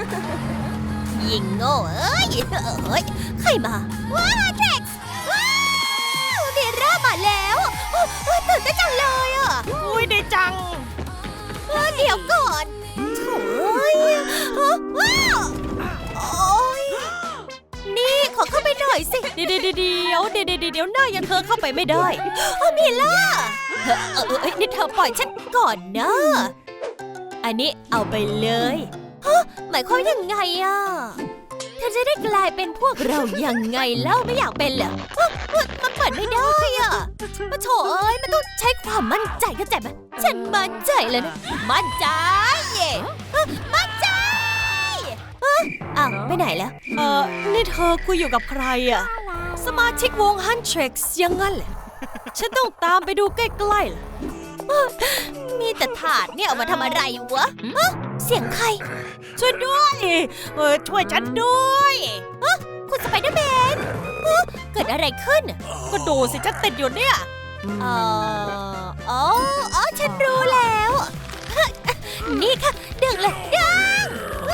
ยิงโง่เอ้ยใครมาว้าเท็กซ์ว้าวเบร่ามาแล้วตื่นเต้นจังเลยอ่ะอุ้ยดีจังเดี๋ยวก่อนโถ่ว้าวโอ๊ยนี่ขอเข้าไปหน่อยสิเดี๋ยวหน้ายังเธอเข้าไปไม่ได้มิล่านี่เธอปล่อยฉันก่อนนะอันนี้เอาไปเลยหมายความยังไงอ่ะเธอจะได้กลายเป็นพวกเรายังไงเล่าไม่อยากเป็นเหรอมันเปิดไม่ได้อ่ะมาโถเอ้ยมันต้องใช้ความมั่นใจเข้าใจไหมฉันมั่นใจเลยนะมั่นใจมั่นใจอ้าวไปไหนแล้วนี่เธอคุยอยู่กับใครอ่ะสมาชิกวงฮันเทร็กซ์ยังงั้นแหละฉันต้องตามไปดูใกล้ๆล่ะมีแต่ถาดเนี่ยเอามาทำอะไรวะเสียงใครช่วยด้วยช่วยฉันด้วยคุณสไปเดอร์แมนเกิดอะไรขึ้นก็ดูสิฉันติดอยู่เนี่ยฉันรู้แล้วนี่ค่ะดึงเลยดึง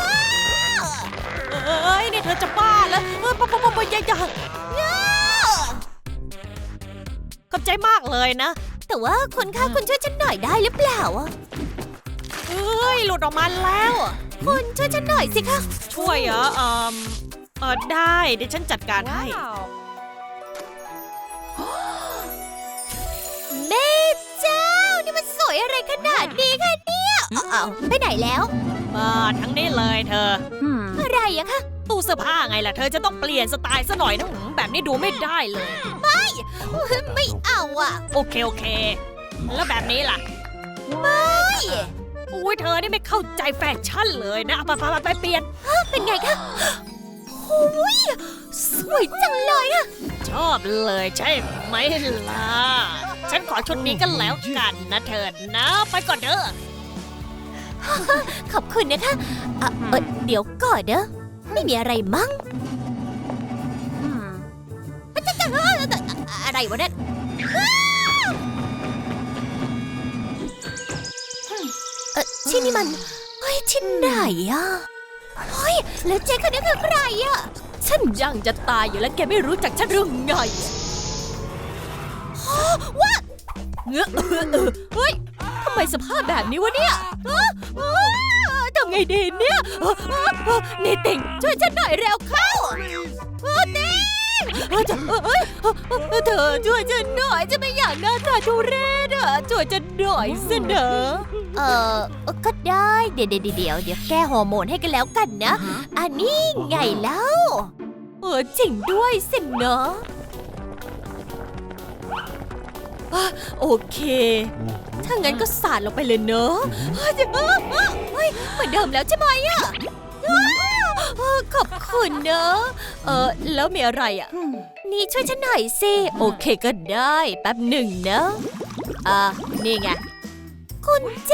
นี่เธอจะบ้าแล้วอย่าขอบใจมากเลยนะแต่ว่าคุณช่วยฉันหน่อยได้หรือเปล่าหลุดออกมาแล้วคุณช่วยฉันหน่อยสิคะช่วยเหรอได้เดี๋ยวฉันจัดการให้แม่เจ้านี่มันสวยอะไรขนาดนี้คะเนี่ยไปไหนแล้วมาทั้งนี้เลยเธออะไรอะคะตู้เสื้อผ้าไงล่ะเธอจะต้องเปลี่ยนสไตล์ซะหน่อยนะแบบนี้ดูไม่ได้เลยไม่เอาอ่ะโอเคแล้วแบบนี้ล่ะไม่เธอนี่ไม่เข้าใจแฟชั่นเลยนะไปเปลี่ยนเป็นไงคะสวยจังเลยอะชอบเลยใช่ไหมล่ะฉันขอชุดนี้กันแล้วกันนะเธอนะไปก่อนเด้อขอบคุณนะคะเดี๋ยวก่อนเด้อไม่มีอะไรมั้งอะไรวะเนี่ยที่นี่มันที่ไหนอ่ะแล้วเจ๊คนนี้คือใครอ่ะฉันยังจะตายอยู่แล้วแกไม่รู้จักฉันเรื่องไงว่าเฮ้ยทำไมสภาพแบบนี้วะเนี่ยทำไงดีเนี่ยนี่ติ่งช่วยฉันหน่อยเร็วเข้าติ่งเธอช่วยฉันหน่อยจะไม่อยากหน้าตาทุเรศอ่ะช่วยฉันหน่อยสินะก็ได้เดี๋ยวแก้ฮอร์โมนให้กันแล้วกันนะอันนี้ไงแล้วจริงด้วยสินะโอเคถ้างั้นก็สาดลงไปเลยเนอะเหมือนเดิมแล้วใช่ไหมอ่ะขอบคุณเนอะแล้วมีอะไรอ่ะนี่ช่วยฉันหน่อยสิโอเคก็ได้แป๊บหนึ่งนะนี่ไงกุญแจ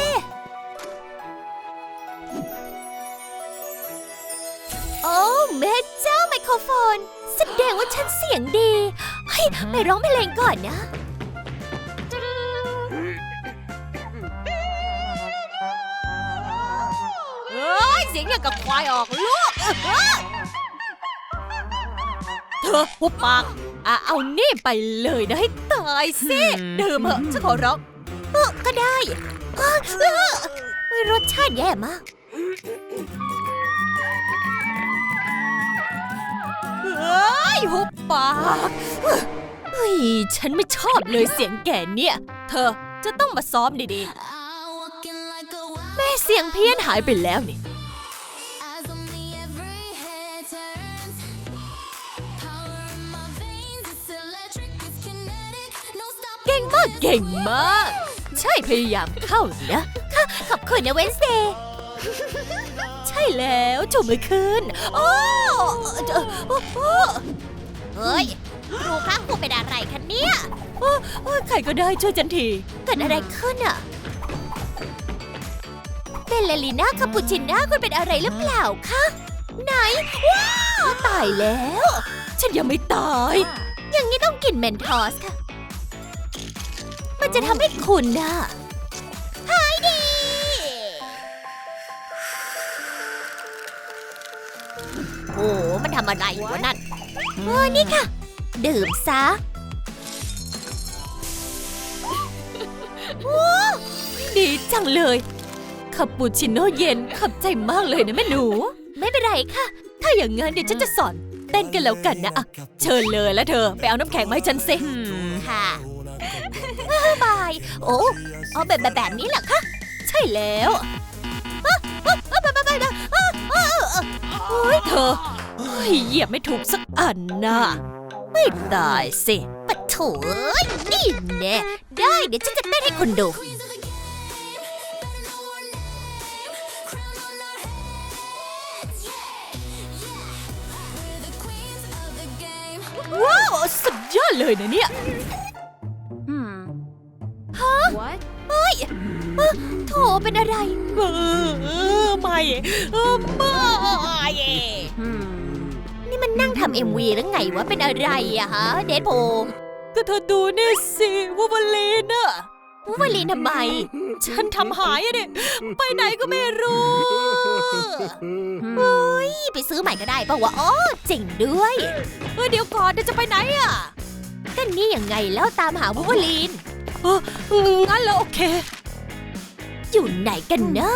โอ้แม่เจ้าไมโครโฟนแสดงว่าฉันเสียงดีไปร้องเพลงก่อนนะเสียงอย่างกับควายออกลูกเธอหุบปากเอานี่ไปเลยนะให้ตายสิดื่มเหอะฉันขอร้องก็ได้รสชาติแย่มากหุบปากฉันไม่ชอบเลยเสียงแก่เนี่ยเธอจะต้องมาซ้อมดีๆแม่เสียงเพี้ยนหายไปแล้วนี่เก่งมากใช่พยายามเข้านะขอบคุณนะเวนสเดย์ใช่แล้วจูบมือขึ้นเฮ้ยครูคะครูเป็นอะไรคะเนี่ยใครก็ได้ช่วยฉันทีเกิดอะไรขึ้นอ่ะเบลลีน่าคาปูชิน่าคุณเป็นอะไรหรือเปล่าคะไหนว้าวตายแล้วฉันยังไม่ตายอย่างนี้ต้องกินเมนทอสค่ะมันจะทำให้คุณน่ะหายดีโอ้มันทำอะไรวะนั่นนี่ค่ะ ดื่มซะโอ้ดีจังเลยคาปูชิโน่เย็นขอบใจมากเลยนะแม่หนู ไม่เป็นไรค่ะ ถ้าอย่างงั้นเดี๋ยวฉันจะสอนเต้นกันแล้วกันนะอะเชิญเลยแล้วเธอไปเอาน้ำแข็งมาให้ฉันสิค่ะบายโอ้เอาแบบนี้เหรอคะใช่แล้วโอ้ยเธอเหยียบไม่ถูกสักอันน่ะไม่ได้สิปะโถนี่แน่ได้เดี๋ยวฉันจะเต้นให้คนดูว้าวสุดยอดเลยนะเนี่ยฮะ What เฮ้ยโถเป็นอะไรไม่นี่มันนั่งทำ MV หรือไงวะเป็นอะไรอะฮะเดดโพก็เธอดูนี่สิวูวาลีนอะวูวาลีนทำไม ฉันทำหายอะเนี่ยไปไหนก็ไม่รู้เฮ้ยไปซื้อใหม่ก็ได้ป่าวะอ๋อจริงด้วยเดี๋ยวก่อนจะไปไหนอะก็นี่ยังไงแล้วตามหาวูวาลีนงั้นแล้วโอเคอยู่ไหนกันนะ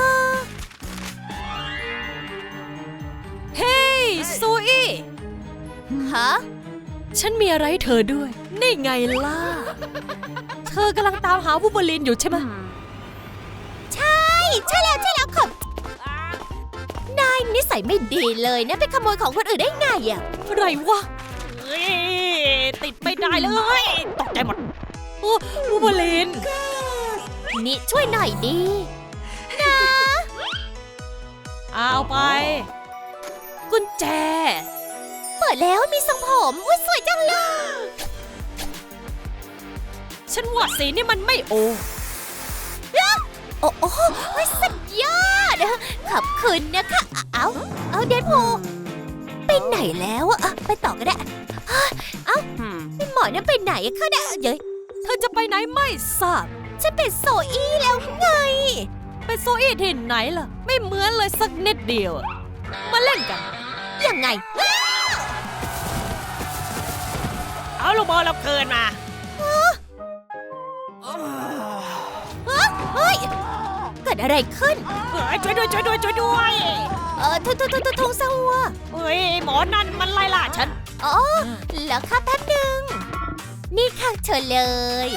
เฮ้ยโซอี้ฮะฉันมีอะไรให้เธอด้วยนี่ไงล่ะเธอกำลังตามหาวูล์ฟเวอรีนอยู่ใช่ไหมใช่แล้วครับนายนิสัยไม่ดีเลยนะไปขโมยของคนอื่นได้ไงอะอะไรวะติดไม่ได้เลยตกใจหมดวูล์ฟเวอรีนนี่ช่วยหน่อยดีนะเอาไปกุญแจเปิดแล้วมีทรงผมอุ้ยสวยจังเลยฉันว่าสีนี่มันไม่โอ้สุดยอดขอบคุณนะคะเอาเดดพูลไปไหนแล้วอะไปต่อก็ได้พี่หมอนั่นไปไหนคะเนี่ยเย้ยเธอจะไปไหนไม่ทราบฉันเป็นโซอี้แล้วไงเป็นโซอี้ที่ไหนล่ะไม่เหมือนเลยสักนิดเดียวมาเล่นกันยังไงเอาลูกบอลเราเกินมาเฮ้ยเกิดอะไรขึ้นช่วยด้วยทงซาวัวหมอนั่นมันไล่ล่าฉันอ๋อแล้วค่ะแป๊บหนึ่งนี่ค่ะเชิญเลย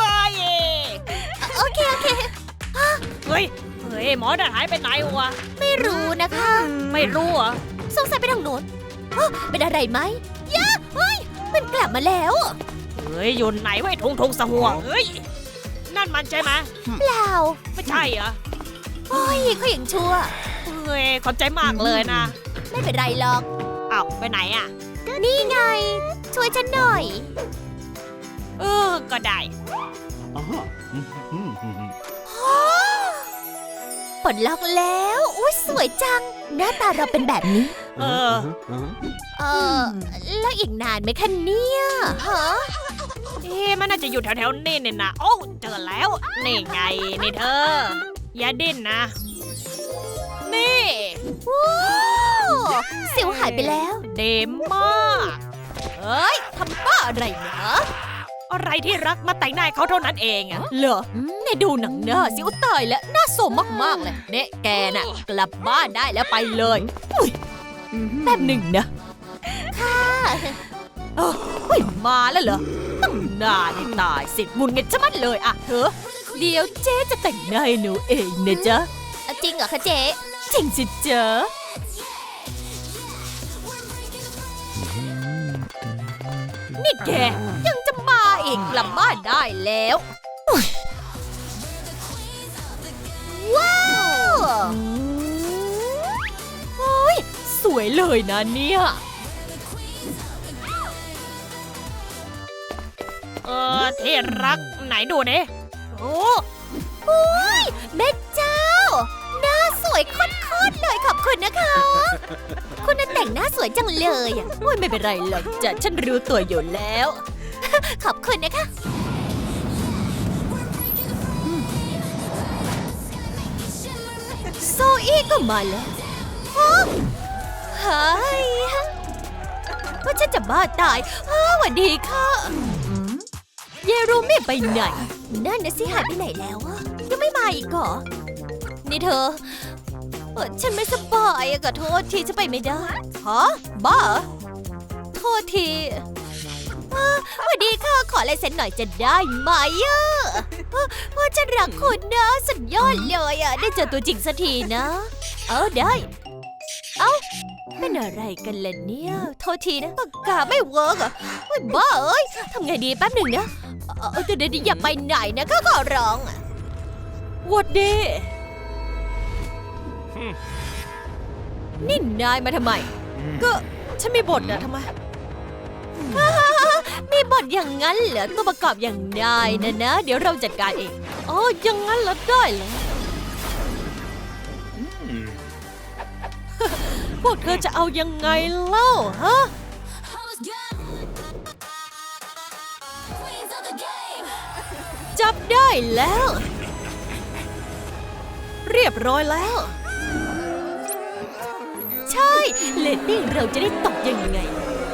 โอเคหมอนั่นหายไปไหนวะไม่รู้นะคะไม่รู้เหรอสงสัยไปทางโน้นเป็นอะไรไหมมันกลับมาแล้วอยู่ไหนไว้ทงสหัวนั่นมันใช่ไหมเปล่าไม่ใช่เหรอเขาอย่างชั่วขอบใจมากเลยนะไม่เป็นไรหรอกไปไหนอ่ะนี่ไงช่วยฉันหน่อยก็ได้ปลดล็อกแล้วสวยจังหน้าตาเราเป็นแบบนี้แล้วอีกนานไหมคะเนี่ยมันน่าจะอยู่แถวๆนี่เนี่ยนะโอ้เจอแล้วนี่ไงนี่เธออย่าดิ้นนะนี่สิวหายไปแล้วเดมมากทำบ้าอะไรเนะอะไรที่รักมาแต่งหน้าเขาเท่านั้นเองอะเหรอเนี่ยดูหนังหน้าสิวตายแล้วหน้าโซมมากๆเลยเนี่ยแกน่ะกลับบ้านได้แล้วไปเลยแป๊บหนึ่งนะค่ะมาแล้วเหรอตั้งนานนี่ตายสิมุนเงินจะมัดเลยอะเธอเดี๋ยวเจ๊จะแต่งหน้าให้หนูเองนะจ๊ะจริงเหรอคะเจ๊จริงสิจ๊ะนี่แกยังจะมาอีกกลับบ้านได้แล้วว้าวสวยเลยนะเนี่ยที่รักไหนดูเนี่ยโอ้ยแม่เจ้าหน้าสวยโคตรเลยขอบคุณนะคะคุณน่ะแต่งหน้าสวยจังเลยไม่เป็นไรหรอกจ้ะฉันรู้ตัวอยู่แล้วขอบคุณนะคะโซอี้ก็มาแล้วฮะฉันจะบ้าตายสวัสดีค่ะเยรูไม่ไปไหนนั่นนะสิหายไปไหนแล้วอะยังไม่มาอีกเหรอนี่เธอฉันไม่สบายอะขอโทษทีจะไปไม่ได้ฮะบ้าเหรอโทษทีสวัสดีค่ะขอลายเซ็นหน่อยจะได้ไหมอะฉันรักคุณนะสุดยอดเลยอะได้เจอตัวจริงสักทีนะได้เป็นอะไรกันล่ะเนี่ยโทษทีนะปากกาไม่เวิร์กอะบ้าเอ้ยทำไงดีแป๊บหนึ่งนะเดี๋ยวอย่าไปไหนนะข้าขอร้องอะวัดดีนี่นายมาทำไมก็ฉันมีบทนะทำไมมีบทอย่างนั้นเหรอตัวประกอบอย่างนายนะ เดี๋ยวเราจัดการเองอ๋อยังงั้นเหรอได้เลย พวกเธอจะเอายังไงเล่าฮะ จับได้แล้ว เรียบร้อยแล้วใช่เลตติ้งเราจะได้ตกยังไง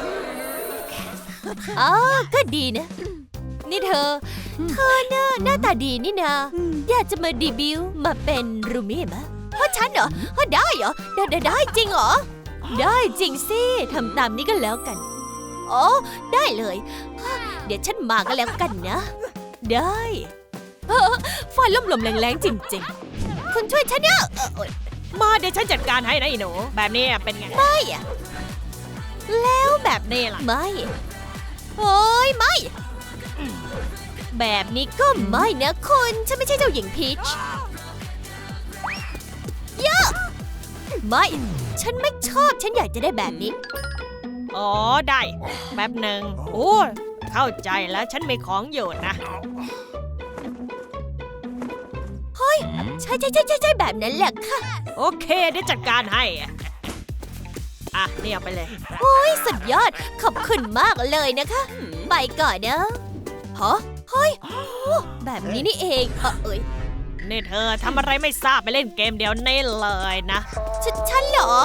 ก็ดีนะ นี่เธอน่ะหน้าตาดีนี่นาอยากจะมาดีบิวต์มาเป็นรูมี่มะฉันเหรอได้เหรอได้จริงเหรอได้จริงสิทำตามนี้ก็แล้วกันได้เลยเดี๋ยวฉันมาก็แล้วกันนะได้ไฟล่มๆแรงๆจริงๆคุณช่วยฉันเนี่ยมาเดี๋ยวฉันจัดการให้นะไอ้หนูแบบนี้เป็นไงไม่อะแล้วแบบนี้ล่ะไม่โอ้ยไม่แบบนี้ก็ไม่นะคุณฉันไม่ใช่เจ้าหญิงพีชเยอะไม่ฉันไม่ชอบฉันอยากจะได้แบบนี้อ๋อได้แป๊บหนึ่งโอ้เข้าใจแล้วฉันมีของอยู่นะใช่แบบนั้นแหละค่ะโอเคเดี๋ยวจัดการให้อ่ะนี่เอาไปเลยโอ้ยสุดยอดขอบคุณมากเลยนะคะไปก่อนนะเฮ้ยแบบนี้นี่เองนี่เธอทำอะไรไม่ทราบไปเล่นเกมเดี๋ยวนี้เลยนะฉันเหรอ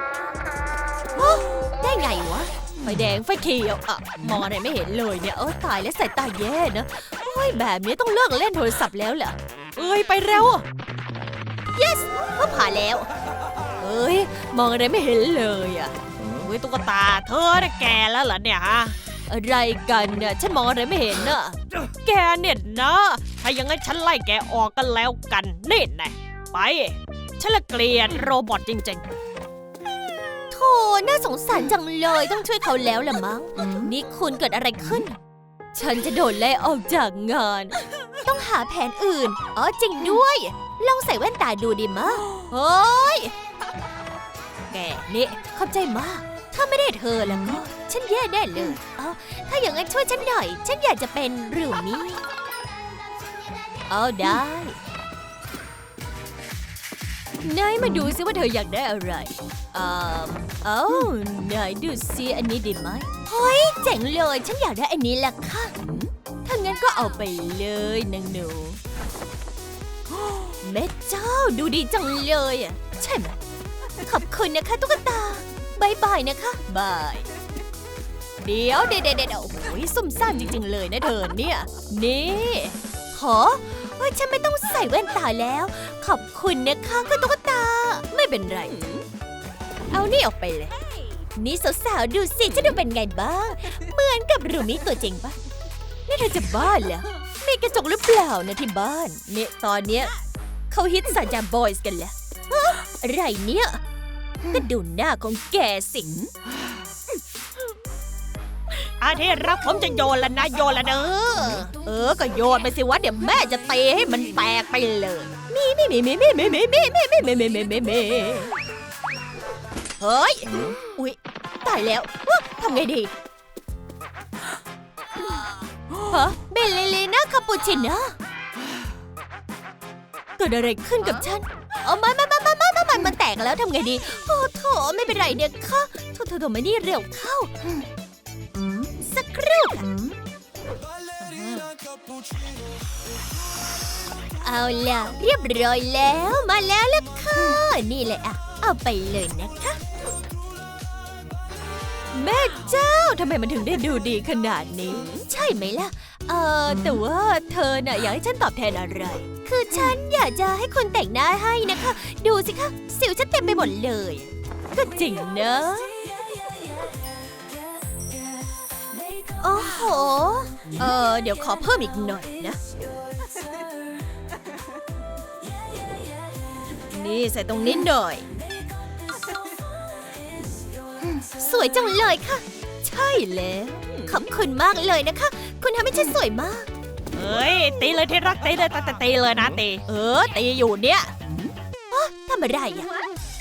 ได้ไงวะไฟแดงไฟเขียวมองอะไรไม่เห็นเลยเนี่ยตายแล้วสายตาแย่นะแบบนี้ต้องเลิกเล่นโทรศัพท์แล้วเหรอไปเร็ว yes ก็ผ่านแล้วมองอะไรไม่เห็นเลยตุ๊กตาเธอได้แก่แล้วเหรอเนี่ยฮะอะไรกันเนี่ยฉันมองอะไรไม่เห็นน่ะแกเนี่ยนะถ้าอย่างงั้นฉันไล่แกออกกันแล้วกันนี่แน่ไปฉันละเกลียดโรบอทจริงๆโธ่น่าสงสารจังเลยต้องช่วยเขาแล้วล่ะมั้งนี่คุณเกิดอะไรขึ้นฉันจะโดนไล่ออกจากงานต้องหาแผนอื่นจริงด้วยลองใส่แว่นตาดูดิมะแกนี่ขอบใจมากถ้าไม่ได้เธอแล้วก็ฉันแย่แน่เลยถ้าอย่างนั้นช่วยฉันหน่อยฉันอยากจะเป็นรูมี่ได้นายมาดูซิว่าเธออยากได้อะไรนายดูซิอันนี้ดีไหมเจ๋งเลยฉันอยากได้อันนี้แหละค่ะถ้างั้นก็เอาไปเลยนางหนูแม่เจ้าดูดีจังเลยใช่ไหมขอบคุณนะคะตุ๊กตาบายบายนะคะบายเดี๋ยวโอ้ยซุ่มซ่ามจริงๆเลยนะเธอเนี่ยนี่ฉันไม่ต้องใส่แว่นตาแล้วขอบคุณนะคะคุณตุ๊กตาไม่เป็นไรเอานี่ออกไปเลยนี่สาวๆดูสิฉันดูเป็นไงบ้างเหมือนกับรูมิตัวจริงปะนี่เธอจะบ้าเหรอมีกระจกหรือเปล่านะที่บ้านเนี่ยตอนเนี้ยเขาฮิตสัญญาบอยส์กันแล้วอะไรเนี่ยก็ดูหน้าของแกสิอาทิตย์รักผมจะโยนแล้วนะโยนแล้วเด้อก็โยนไปสิวะเดี๋ยวแม่จะตีให้มันแตกไปเลยมีเฮ้ยอุ๊ยตายแล้วทำไงดีเบลลิน่าคาปูชิโน่เกิดอะไรขึ้นกับฉันมันแตกแล้วทำไงดีโถไม่เป็นไรเนี่ยค่ะโถมานี่เร็วเข้าสักครู่เอาล่ะเรียบร้อยแล้วมาแล้วล่ะค่ะนี่เลยเอาไปเลยนะคะแม่เจ้าทำไมมันถึงได้ดูดีขนาดนี้ใช่ไหมล่ะ แต่ว่าเธอน่ะอยากให้ฉันตอบแทนอะไร คือฉันอยากจะให้คนแต่งหน้าให้นะคะ ดูสิคะ สิวฉันเต็มไปหมดเลยก็จริงนะโอ้โหเดี๋ยวขอเพิ่มอีกหน่อยนะ นี่ใส่ตรงนี้หน่อยสวยจังเลยค่ะใช่แล้วขอบคุณมากเลยนะคะ คุณทำให้ฉันสวยมากเฮ้ยตีเลยที่รักตีเลยตีเลยนะตีตีอยู่เนี่ยทำอะไรอ่ะ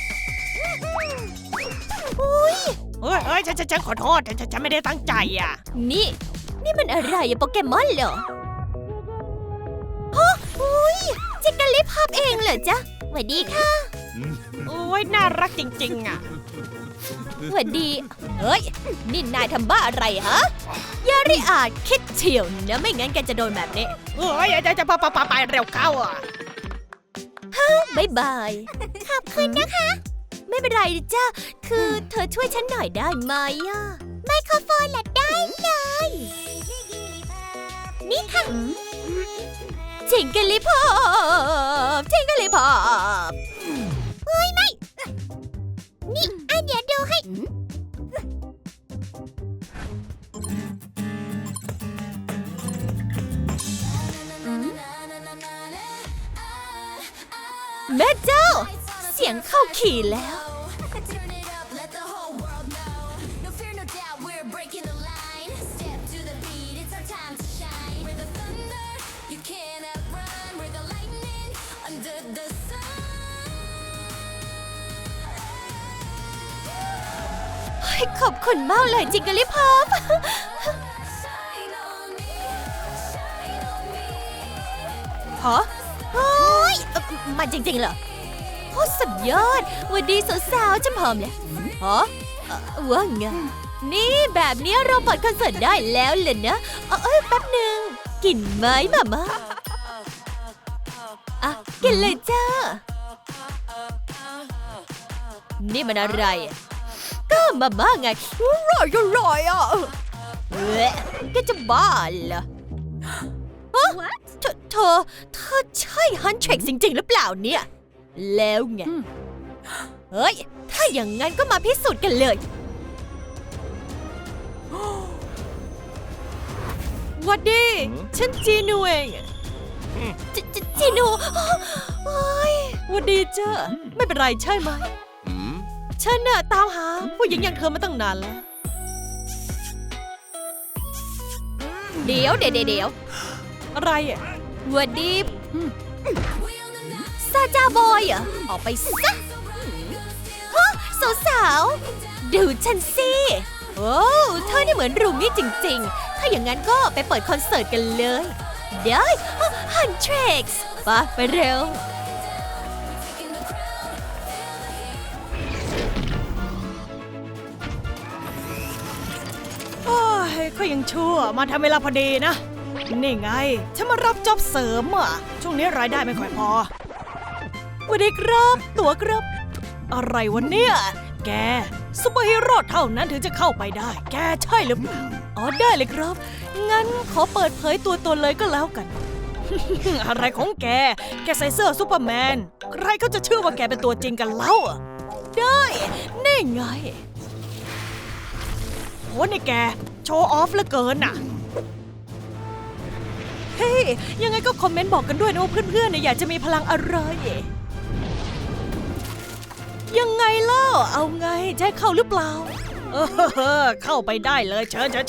อุ้ยเฮ้ยฉันขอโทษฉันไม่ได้ตั้งใจอ่ะนี่มันอะไรอะโปเกมอนเหรอฮะอุ้ยจิกกะลิภาพเองเหรอจ๊ะสวัสดีค่ะโอ้ยน่ารักจริงๆอ่ะสวัสดี เฮ้ย นี่นายทำบ้าอะไรฮะอย่าริอาจคิดเฉียวนะไม่งั้นแกจะโดนแบบนี้เฮ้ยจะไปเร็วเข้าอ่ะบ๊ายบาย ขอบคุณนะคะ ไม่เป็นไรจ้ะ คือเธอช่วยฉันหน่อยได้ไหมอะไมโครโฟนละได้เลย นี่ค่ะจิงกะลิพอบจิงกะลิพอบเฮ้ยไม่ นี่อันเดี๋ยวดูให้ แม่เจ้า เสียงเข้าขี่แล้ว ขอบคุณมากเลยจิงกะลิพอบฮะเฮ้ยมาจริงๆเหรอโคตรสุดยอดวันดีสาวๆฉันพร้อมแล้วฮะว่าไงนี่แบบนี้เราเปิดคอนเสิร์ตได้แล้วเลยนะแป๊บหนึ่งกินไหมมาอ่ะกินเลยจ้านี่มันอะไรก็มาม่าไงอร่อยอ่ะแกจะบ้าเหรอเธอใช่ฮันเทรกจริงๆหรือเปล่าเนี่ยแล้วไงเฮ้ยถ้าอย่างงั้นก็มาพิสูจน์กันเลยวัดดีฉันจีนูเองจีนูวัดดีจ้าไม่เป็นไรใช่ไหมฉันน่ะตามหาผู้หญิงอย่างเธอมาตั้งนานแล้วเดี๋ยวอะไรอ่ะวัดดีซาจาบอยเหรอออกไปซะฮะสาวๆดูฉันสิโอ้เธอนี่เหมือนรูมี่จริงๆถ้าอย่างนั้นก็ไปเปิดคอนเสิร์ตกันเลยได้ฮันเทรกส์ไปเร็วก็ยังชั่วมาทำเวลาพอดีนะนี่ไงฉันมารับจ็อบเสริมอ่ะช่วงนี้รายได้ไม่ค่อยพอสวัสดีครับตั๋วครับอะไรวะเนี่ยแกซุปเปอร์ฮีโร่เท่านั้นถึงจะเข้าไปได้แกใช่หรือเปล่าอ๋อได้เลยครับงั้นขอเปิดเผยตัวตนเลยก็แล้วกัน อะไรของแกใส่เสื้อซูเปอร์แมนใครเขาจะเชื่อว่าแกเป็นตัวจริงกันเล่าได้นี่ไงโหนี่แกโชว์ออฟเหลือเกินน่ะเฮ้ยยังไงก็คอมเมนต์บอกกันด้วยนะว่าเพื่อนๆเนี่ยอยากจะมีพลังอะไรยังไงเล่าเอาไงจะให้เข้าหรือเปล่าเข้าไปได้เลยเชิญ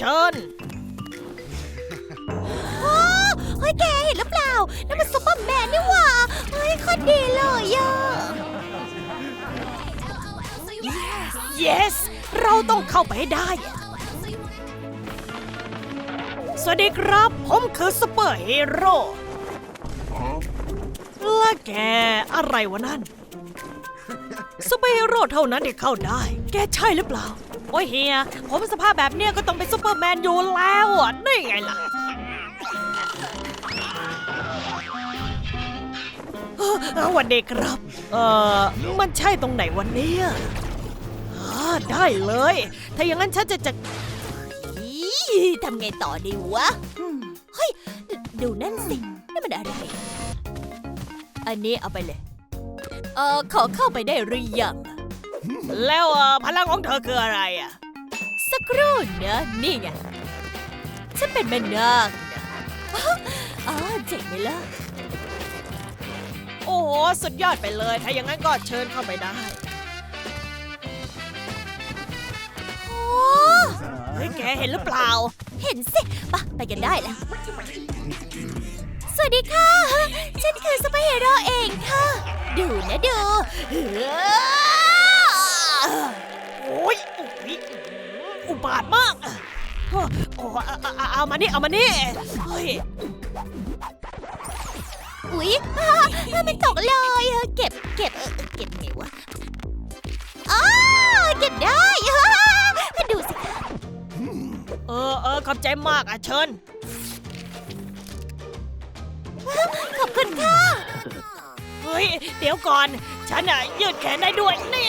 เฮ้ยแกเห็นหรือเปล่านั่นมันซุปเปอร์แมนนี่หว่าเฮ้ยโคตรดีเลยอ่ะ yes เราต้องเข้าไปให้ได้ สวัสดีครับผมคือซุปเปอร์ฮีโร่และแกอะไรวะนั่นซุปเปอร์ฮีโร่เท่านั้นที่เข้าได้แกใช่หรือเปล่าโอ้ยเฮียผมสภาพแบบเนี้ยก็ต้องเป็นซุปเปอร์แมนอยู่แล้วอ่ะนี่ไงล่ะสวัสดีครับมันใช่ตรงไหนวันนี้ได้เลย ถ้าอย่างนั้นฉันจะอีทำไงต่อดีวะ เฮ้ย ดูนั่นสินี่มันอะไร อันนี้เอาไปเลย ขอเข้าไปได้หรือยังแล้วพลังของเธอคืออะไรอ่ะสักครู่นะนี่ไง ฉันเป็นแม่นาคนะอ๋อเจ๋งไหมล่ะโอ้โหสุดยอดไปเลย ถ้าอย่างนั้นก็เชิญเข้าไปได้โอ้เฮ้ยแกเห็นหรือเปล่าเห็นสิไปกันได้แล้ว สวัสดีค่ะ ฉันคือซุปเปอร์ฮีโร่เองค่ะ ดูนะดูโอ้ยอุบาทมากโอ้เอามานี่เอามานี่เฮ้ยอุ๊ยมันตกเลยเก็บไงวะอ้าเก็บได้ดูสิคะขอบใจมากอ่ะเชิญขอบคุณค่ะเฮ้ยเดี๋ยวก่อนฉันยืดแขนได้ด้วยนี่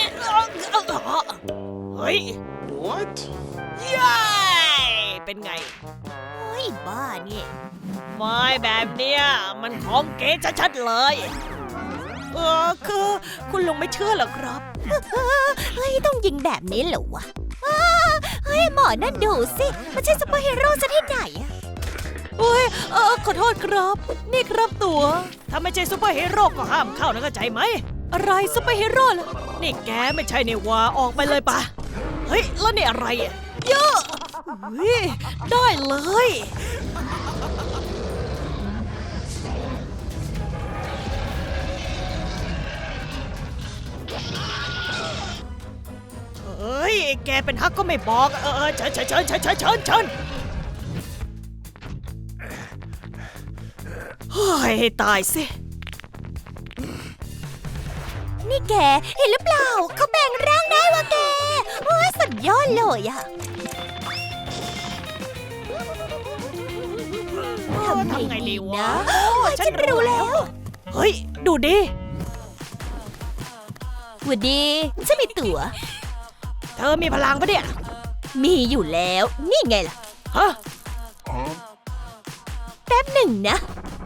เฮ้ย What? เย้เป็นไงเฮ้ยบ้านี่ไม่แบบเนี้ยมันของเก๋ชัดๆเลยคือคุณลุงไม่เชื่อเหรอครับเฮ้ยต้องยิงแบบนี้เหรอวะเฮ้ยหมอนั่นดูสิมันใช่ซุปเปอร์ฮีโร่ซะที่ไหนอะเฮ้ยขอโทษครับ นี่ครับตัว ถ้าไม่ใช่ซูเปอร์ฮีโร่ก็ห้ามเข้านะเข้าใจไหม อะไรซูเปอร์ฮีโร่ล่ะ นี่แกไม่ใช่ในวาออกไปเลยปะเฮ้ย แล้วนี่อะไรอ่ะเยอะเฮ้ยได้เลยเฮ้ย แกเป็นฮักก็ไม่บอก เชิญเฮ้ยตายสินี่แกเห็นหรือเปล่าเขาแปลงร่างได้วะแกโอ้ยสุดยอดเลยอะทำไงดีวะฉันรู้แล้วเฮ้ย ดูดิหวัดดีฉันมีตั๋วเธอมีพลังปะเนี่ยมีอยู่แล้วนี่ไงล่ะฮะแป๊บหนึ่งนะ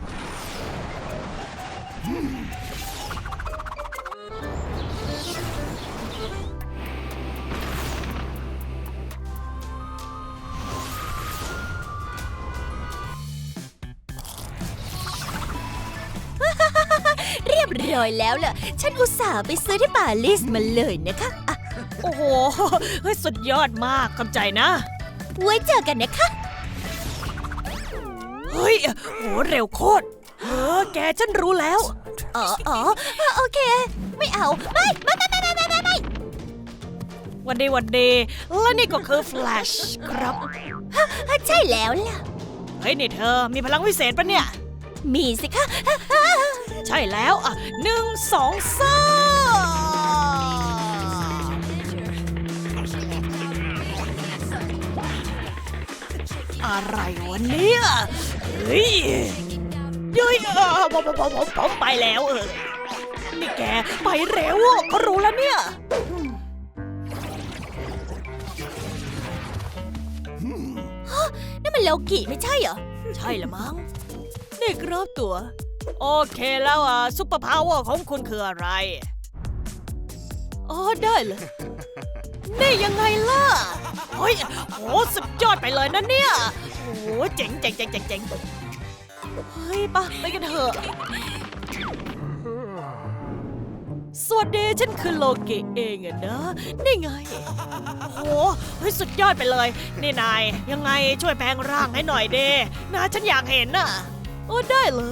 เรียบร้อยแล้วล่ะ ฉันอุตส่าห์ไปซื้อที่ปารีสมาเลยนะคะอ่ะโอ้โห เฮ้ย สุดยอดมากขอบใจนะไว้เจอกันนะคะเฮ้ย โห เร็วโคตร แกฉันรู้แล้วอ๋อโอเค ไม่เอา ไม่วันดีและนี่ก็คือ Flash ครับใช่แล้วล่ะเฮ้ย นี่เธอมีพลังวิเศษปะเนี่ยมีสิคะใช่แล้ว1 2 3อะไรวะเนี่ย เฮ้ยผมไปแล้วนี่แกไปเร็วเขารู้แล้วเนี่ยนี่มันโลกิไม่ใช่เหรอใช่ละมั้งนี่ครับตัว โอเคแล้วซุปเปอร์พาวเวอร์ของคุณคืออะไร อ๋อ ได้เลย นี่ยังไงล่ะ เฮ้ยโหสุดยอดไปเลยนะเนี่ยโหเจ๋งเฮ้ยไปกันเถอะ สวัสดีฉันคือโลกิเองอะนะ นี่ไงโหเฮ้ยสุดยอดไปเลย นี่นายยังไงช่วยแปลงร่างให้หน่อยเด้นะฉันอยากเห็นน่ะโอ้ได้เลย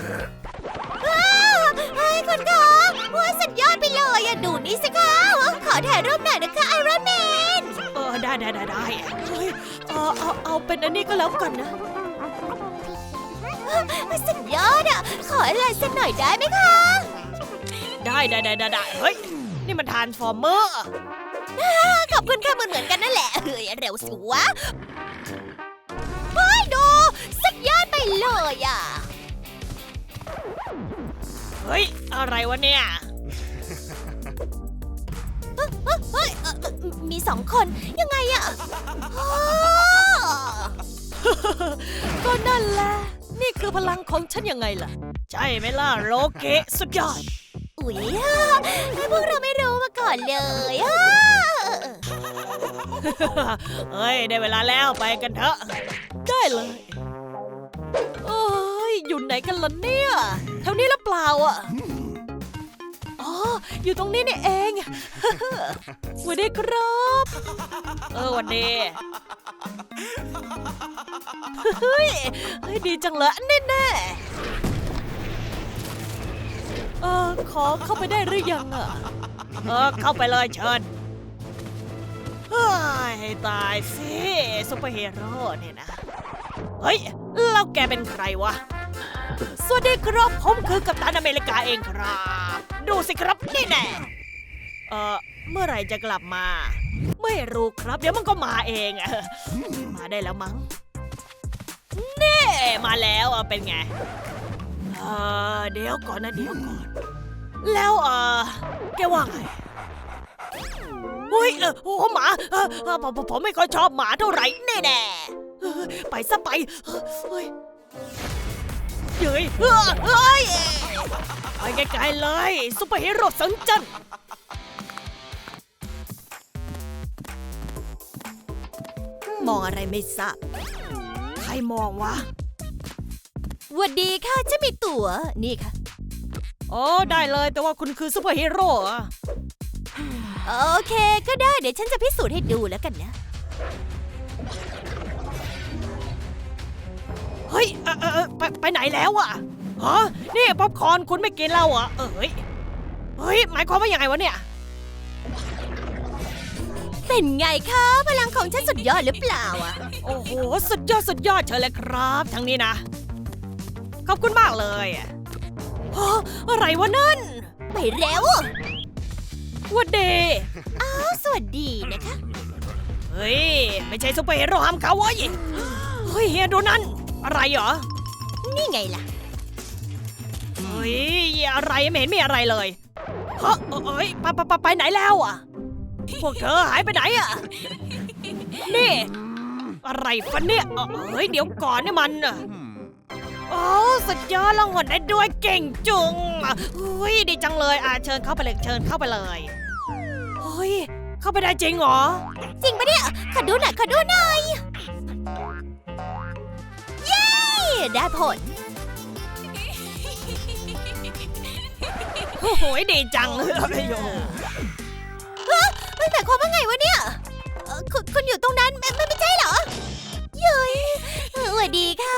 เฮ้ยคุณคะว้าสุดยอดไปเลยอะดูนี่สิคะขอถ่ายรูปหน่อยนะคะไอรอนแมนได้เฮ้ยเอาเป็นอันนี้ก็แล้วกันนะสุดยอดอะขออะไรสักหน่อยได้ไหมคะได้เฮ้ยนี่มันทรานส์ฟอร์เมอร์ขอบคุณค่ะเหมือนกันนั่นแหละเฮ้ยเร็วสิวะเฮ้ยดูสุดยอดไปเลยอะเฮ้ยอะไรวะเนี่ยเฮ้ยมีสองคนยังไงอะอ้อก็นั่นแหละ นี่คือพลังของฉันยังไงล่ะ ใช่ไหมล่ะโรเกะสุดยอดอุ๊ยพวกเราไม่รู้มาก่อนเลยอะเฮ้ย ได้เวลาแล้วไปกันเถอะ ได้เลยเอ้ย อยู่ไหนกันล่ะเนี่ยแถวนี้หรือเปล่าอ่ะ อ๋อ อยู่ตรงนี้นี่เอง สวัสดีครับสวัสดีเฮ้ยดีจังเลยแน่ๆขอเข้าไปได้หรือยังอ่ะ เข้าไปเลยเชิญเฮ้ยตายสิซุปเปอร์ฮีโร่เนี่ยนะ เฮ้ย แล้วแกเป็นใครวะ สวัสดีครับผมคือกัปตันอเมริกาเองครับ ดูสิครับนี่แน่เมื่อไหร่จะกลับมา ไม่รู้ครับ เดี๋ยวมันก็มาเองมาได้แล้วมั้งนี่มาแล้วเป็นไงเดี๋ยวก่อนนะเดี๋ยวก่อน แล้วแกว่าไงเฮ้ยโอ้หมาผมไม่ค่อยชอบหมาเท่าไหร่แน่ๆไปซะไปเฮ้ยเฮ้ยไปไกลๆเลยซุปเปอร์ฮีโร่สังจันมองอะไรไม่ทราบใครมองวะสวัสดีค่ะฉันมีตั๋วนี่ค่ะโอ้ได้เลยแต่ว่าคุณคือซุปเปอร์ฮีโร่อะโอเคก็ได้เดี๋ยวฉันจะพิสูจน์ให้ดูแล้วกันนะเฮ้ยไปไหนแล้วอะฮะนี่ป๊อปคอร์นคุณไม่กินแล้วเหรอเฮ้ยหมายความว่าอย่างไงวะเนี่ยเป็นไงคะพลังของฉันสุดยอดหรือเปล่าอะโอ้โหสุดยอดเชิญเลยครับทางนี้นะขอบคุณมากเลยฮะอะไรวะนั่นไปเร็ววัดเดอ้าวสวัสดีนะคะเฮ้ยไม่ใช่ซุปเปอร์ฮีโร่ห้ามเขาเว้ยเฮ้ยเฮียดูนั่นอะไรเหรอนี่ไงล่ะเฮ้ยอะไรไม่เห็นมีอะไรเลยเฮ้ยไปไหนแล้วอ่ะพวกเธอหายไปไหนอ่ะนี่อะไรฟันเนี่ยเฮ้ยเดี๋ยวก่อนนี่มันโอ้สุดยอดลองหดได้ด้วยเก่งจุงเฮ้ยดีจังเลยเชิญเข้าไปเลยเชิญเข้าไปเลยเฮ้ยเข้าไปได้จริงเหรอจริงปะเนี่ยขอดูหน่อยขอดูหน่อยเย้ได้ผลโอ้โหดีจังเลยโยมันหมายความว่าไงวะเนี่ยคุณอยู่ตรงนั้นไม่ใช่เหรอเย้ยสวัสดีค่ะ